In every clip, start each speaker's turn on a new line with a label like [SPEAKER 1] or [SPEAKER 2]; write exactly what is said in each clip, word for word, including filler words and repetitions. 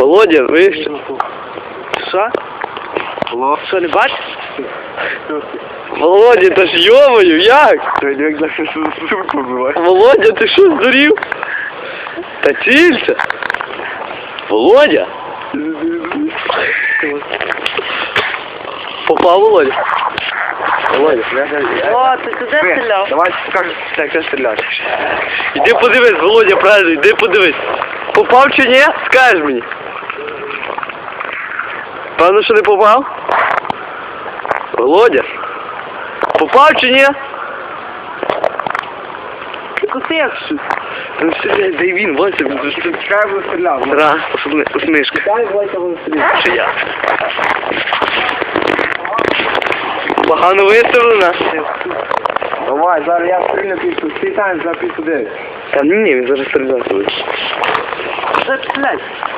[SPEAKER 1] Володя, ви що?
[SPEAKER 2] Що? Що, не бачиш?
[SPEAKER 1] Володя, та ж йомою, як?
[SPEAKER 2] Та як за сумку вбиває.
[SPEAKER 1] Володя, ти що, здурів? Та цілься. Володя? Попав, Володя? Володя.
[SPEAKER 2] О, ти туди стріляв?
[SPEAKER 1] Давай покажу, як ти стріляти. Іди подивись, Володя, правильно, іди подивись. Попав чи ні? Скажеш мені. Певно, що не попав? Володя? Попав чи ні?
[SPEAKER 2] Кусив щось.
[SPEAKER 1] Ну стріляй, дай він, Вася, він ж тут.
[SPEAKER 2] Чекай, бо стріляв.
[SPEAKER 1] Ра, особливо, усмішка.
[SPEAKER 2] Чекай, Вася, бо стріляв.
[SPEAKER 1] Чи я? Погано виставлена?
[SPEAKER 2] Давай, зараз я стрільну піску. Світаємо за піску дев'ять.
[SPEAKER 1] Та ні, ні, він зараз стріляти буде.
[SPEAKER 2] Що стрілять?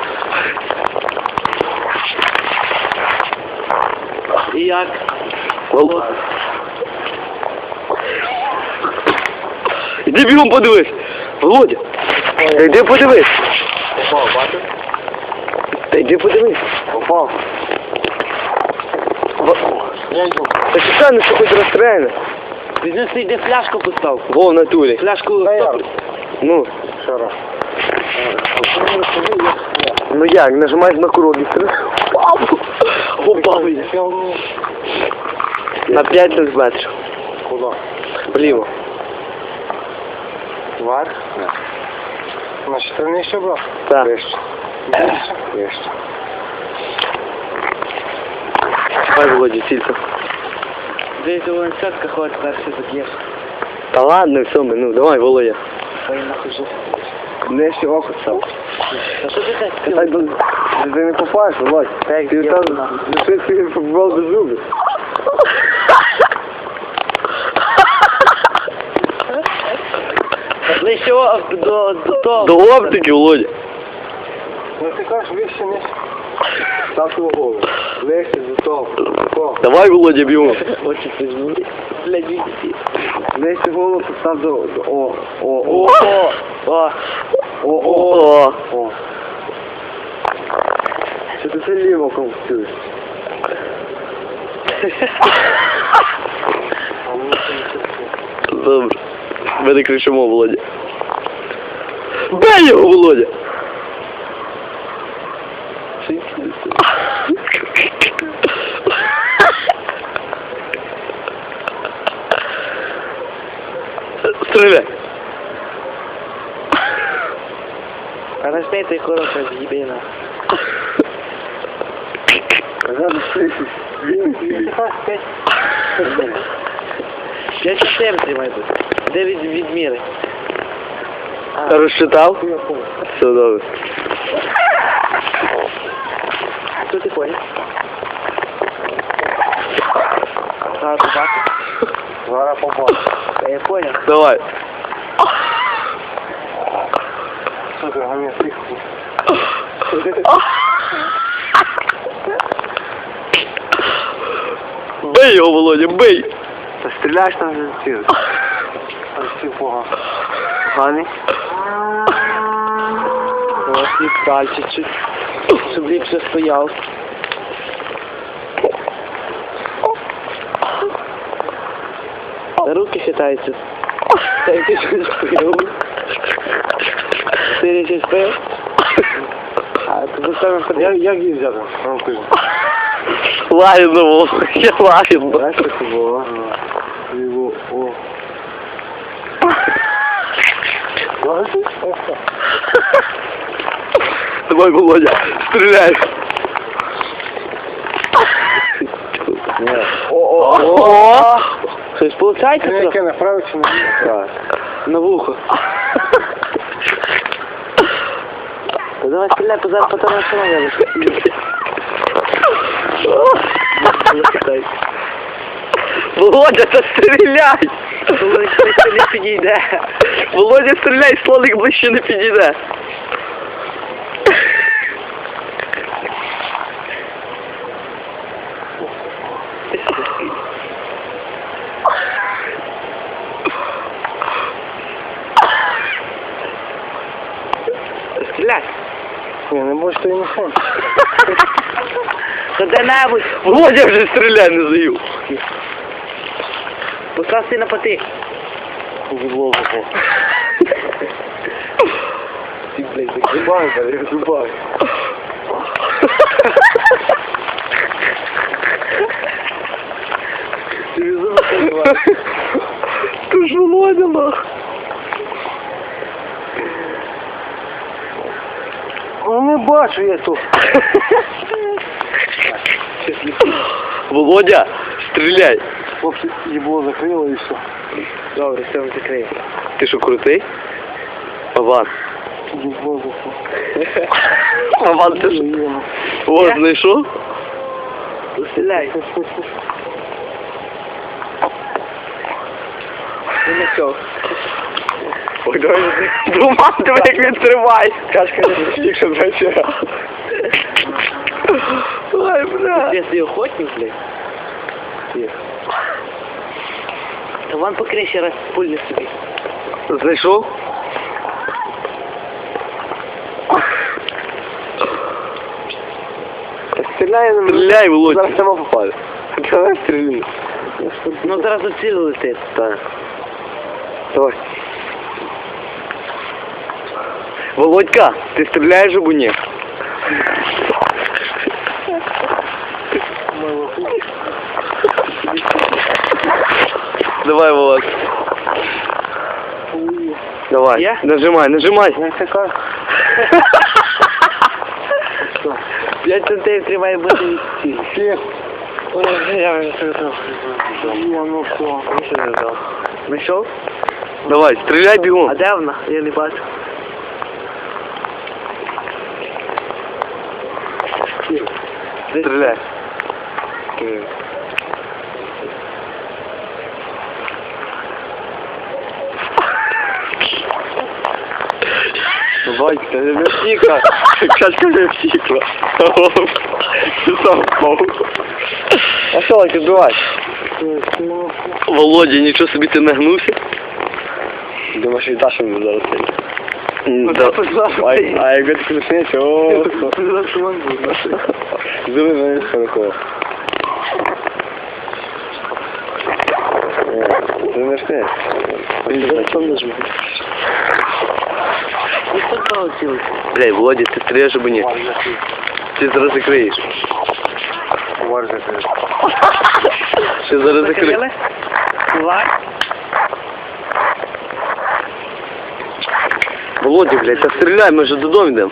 [SPEAKER 2] І як?
[SPEAKER 1] Володя. Іди бігом подивись. Володя. Та йди подивись.
[SPEAKER 2] Попав, бачиш?
[SPEAKER 1] Та йди подивись.
[SPEAKER 2] Попав. Я йду.
[SPEAKER 1] Та чекай, ну що хоч розстріляне.
[SPEAKER 2] Візьми свій, де фляжку постав.
[SPEAKER 1] Во, в натурі.
[SPEAKER 2] Фляжку
[SPEAKER 1] Та я.
[SPEAKER 2] стоп.
[SPEAKER 1] Ну.
[SPEAKER 2] Що раз?
[SPEAKER 1] Ну як, нажимаєш на курок і стріляєш. Попав. На п'ять сантиметрів.
[SPEAKER 2] Куди?
[SPEAKER 1] Вліво.
[SPEAKER 2] Вверх? Нет. Значит, ты нижче брал?
[SPEAKER 1] Так.
[SPEAKER 2] Вище. Вище. Вище.
[SPEAKER 1] Давай, Володя, цілька.
[SPEAKER 2] Десь у ланцетка ходить, так все заб'єш.
[SPEAKER 1] Та ладно, все, ми, ну давай, Володя.
[SPEAKER 2] Ой, нахуй же.
[SPEAKER 1] Нижче око став.
[SPEAKER 2] Та що ти так
[SPEAKER 1] Ти так до... Ти не попаєш, Володь.
[SPEAKER 2] Так,
[SPEAKER 1] Ти
[SPEAKER 2] я
[SPEAKER 1] там
[SPEAKER 2] знаю.
[SPEAKER 1] лиши свій футбол до зубів.
[SPEAKER 2] Ближче до, до того.
[SPEAKER 1] До оптики, Володя.
[SPEAKER 2] Ну ти кажеш, вище не. Став твою голову. Ближче до того. Такого.
[SPEAKER 1] Давай, Володя, б'ємо.
[SPEAKER 2] Очі піджму. Блядь, віці.
[SPEAKER 1] Нижче голову постав до... до... О, о,
[SPEAKER 2] О,
[SPEAKER 1] о.
[SPEAKER 2] о, о.
[SPEAKER 1] О, о, о.
[SPEAKER 2] О.
[SPEAKER 1] Що ти це ліво конфуцюєш? Добре. Ми не кричимо, Володя. Бей його, Володя! Стріляй!
[SPEAKER 2] Подожди, ты хорошая зъебина.
[SPEAKER 1] Надо слышать.
[SPEAKER 2] Я чотири тримаю тут. Де від, відміри?
[SPEAKER 1] Розчитав? Все добре.
[SPEAKER 2] Що ти понял? А, ти бачиш?
[SPEAKER 1] Зараз попав.
[SPEAKER 2] Я понял.
[SPEAKER 1] Давай.
[SPEAKER 2] Що ти, гамі, тихо.
[SPEAKER 1] Бей його, Володя, бей!
[SPEAKER 2] Та стріляєш там вже ці. Ось ці погано. Поганий? Ось і пальчик, щоб ліпше стояв. Руки хитаються. Та ти щось пив. Ти щось пив? А ти поставив ходи. Як її взяти?
[SPEAKER 1] Лагідно, Володя, лагідно.
[SPEAKER 2] Знаєш, що це було? Його, о.
[SPEAKER 1] Давай, Володя, стреляй. О-о-о!
[SPEAKER 2] Щось получається?
[SPEAKER 1] Яке
[SPEAKER 2] направо чи на На вухо. Та давай стріляй, то зараз потім остановили.
[SPEAKER 1] Володя, та стріляй!
[SPEAKER 2] Слоник ближче не підійде.
[SPEAKER 1] Володя, стріляй, слоник ближче не підійде.
[SPEAKER 2] Стріляй. Ні, не будеш ти мішень.
[SPEAKER 3] Та де-небудь.
[SPEAKER 1] Володя вже стріляй не заю.
[SPEAKER 3] Постав си на потик.
[SPEAKER 2] Зубло запав. Ти, блядь, так зубай, блядь, зубай. Ти зуби закривай.
[SPEAKER 1] Ти ж Володя, нах.
[SPEAKER 2] Ну не бачу я тут.
[SPEAKER 1] Володя, стріляй.
[SPEAKER 2] Хлопці, їбло закрило і все.
[SPEAKER 3] Добре, все ми закриємо.
[SPEAKER 1] Ти що, крутий? Бабан.
[SPEAKER 2] Їбло закрило.
[SPEAKER 1] Бабан, ти що? О, знайшов?
[SPEAKER 3] Стріляй. І не все.
[SPEAKER 1] Ой, давай. Двома тебе як він триває.
[SPEAKER 3] Кашка не
[SPEAKER 1] Якщо двадцять раз. Ой, бля.
[SPEAKER 3] Ти свій охотник, блядь?
[SPEAKER 2] Є.
[SPEAKER 3] Та вон покрий ще раз пульни собі.
[SPEAKER 1] Знайшов?
[SPEAKER 2] Стріляє на мене.
[SPEAKER 1] Стріляй, Володя.
[SPEAKER 2] Зараз сама попаде. Давай стріляй.
[SPEAKER 3] Ну зараз у ціль летить.
[SPEAKER 1] Так. Давай. Володька, ти стріляєш або ні? Давай, Володь. Давай,
[SPEAKER 3] Я?
[SPEAKER 1] нажимай, нажимай.
[SPEAKER 2] Я така.
[SPEAKER 3] П'ять сантиметрів має бути від цілі.
[SPEAKER 2] Всіх.
[SPEAKER 3] Ой, я вже все готов.
[SPEAKER 2] Я ну все.
[SPEAKER 3] Нічого не взяв. Знайшов?
[SPEAKER 1] Давай, стріляй бігом.
[SPEAKER 3] А де вона? Я не бачу.
[SPEAKER 1] Стріляй. Батька, не втікла. Качка не втікла. Ти сам впав. А що, Лайк, відбивай? Володя, нічого собі ти нагнувся? Думаєш, і Даша мені зараз сидить? А як ти включаєш, о, зуби мене широко. Ти не шкаєш?
[SPEAKER 3] Ну що стало цілий?
[SPEAKER 1] Блядь, Володя, ти стріляєш або ні? Ти зараз закриєш.
[SPEAKER 2] Вар закрив.
[SPEAKER 1] Ще зараз закриєш.
[SPEAKER 3] Закрили? Давай.
[SPEAKER 1] Володя, блядь, та стріляй, ми вже додому йдемо.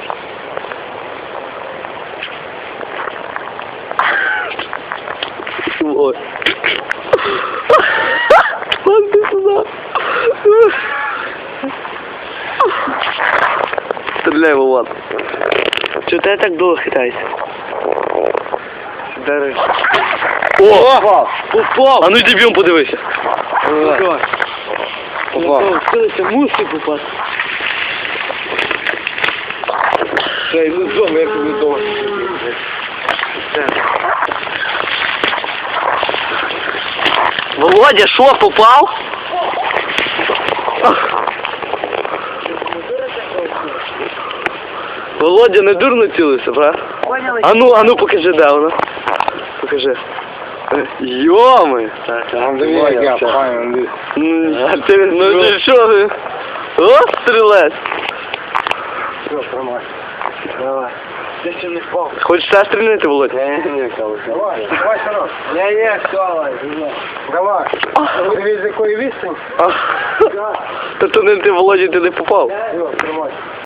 [SPEAKER 1] Ой. Пан, ти сюди. Стріляй, Володя.
[SPEAKER 3] Чого ти так довго хитаєшся?
[SPEAKER 2] Дариш.
[SPEAKER 1] О! Попав! А ну йди б'єм, подивися.
[SPEAKER 3] Попав.
[SPEAKER 1] Попав.
[SPEAKER 3] Вкилися, мусить попасти.
[SPEAKER 2] Ще й не зону, як не зону.
[SPEAKER 1] Володя, що, попав? Володя, не дурно цілився, брат?
[SPEAKER 3] Поняли?
[SPEAKER 1] А ну, а ну покажи, де вона. Покажи. Йоми!
[SPEAKER 2] Там де я, правильно.
[SPEAKER 1] Ну, а ти, ну ти що ви? О, стрілець!
[SPEAKER 2] Все, тримай. Давай.
[SPEAKER 3] Я ще не впав.
[SPEAKER 1] Хочеш ще стрільнити, Володя?
[SPEAKER 2] Не, не, Калуш. Давай, давай, Сарок. Не, не, все, давай. Давай. Подивись, з якої відстані.
[SPEAKER 1] А, Та то не ти, Володя, ти не попав.
[SPEAKER 2] Все, тримай.